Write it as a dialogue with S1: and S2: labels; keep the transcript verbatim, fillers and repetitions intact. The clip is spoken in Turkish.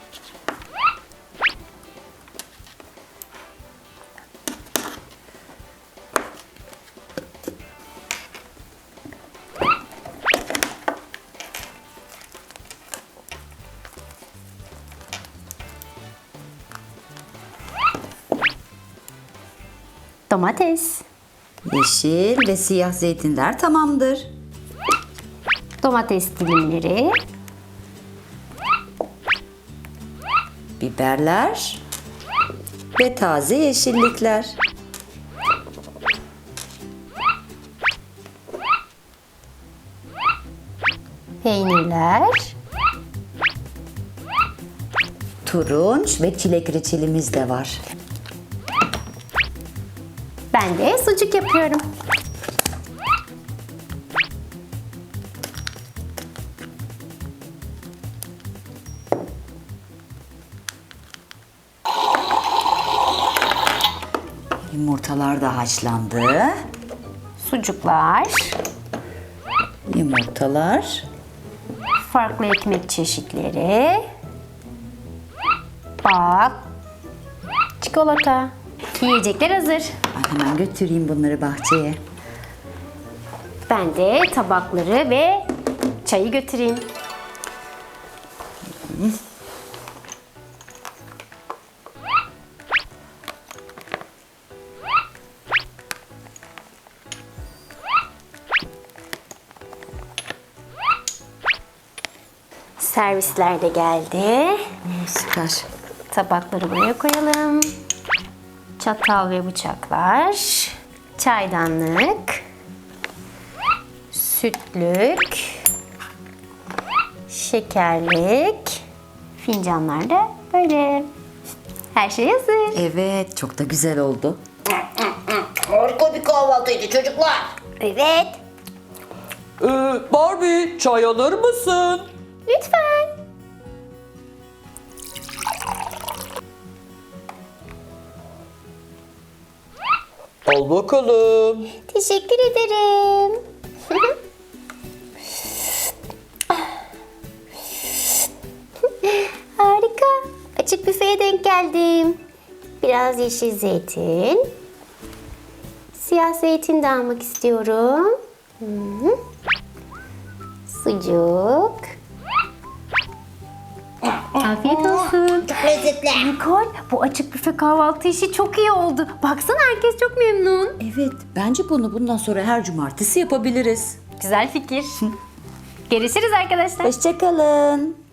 S1: Domates.
S2: Yeşil ve siyah zeytinler tamamdır.
S1: Domates dilimleri.
S2: Biberler ve taze yeşillikler.
S1: Peynirler.
S2: Turunç ve çilek reçelimiz de var.
S1: Ben de sucuk yapıyorum.
S2: Yumurtalar da haşlandı.
S1: Sucuklar.
S2: Yumurtalar.
S1: Farklı ekmek çeşitleri. Bak. Çikolata. Yiyecekler hazır.
S2: Ben hemen götüreyim bunları bahçeye.
S1: Ben de tabakları ve çayı götüreyim. Servisler de geldi.
S2: Süper.
S1: Tabakları buraya koyalım. Çatal ve bıçaklar. Çaydanlık. Sütlük. Şekerlik. Fincanlar da böyle. Her şey hazır.
S2: Evet, çok da güzel oldu.
S3: Harika bir kahvaltıydı çocuklar.
S1: Evet.
S4: Ee, Barbie, çay alır mısın?
S1: Lütfen.
S4: Al bakalım.
S1: Teşekkür ederim. Harika. Açık büfeye denk geldim. Biraz yeşil zeytin. Siyah zeytin de almak istiyorum. Hı. Sucuk. Afiyet olsun.
S3: Çok lezzetli.
S1: Nikol, bu açık büfe kahvaltı işi çok iyi oldu. Baksana herkes çok memnun.
S2: Evet, bence bunu bundan sonra her cumartesi yapabiliriz.
S1: Güzel fikir. Görüşürüz arkadaşlar.
S2: Hoşça kalın.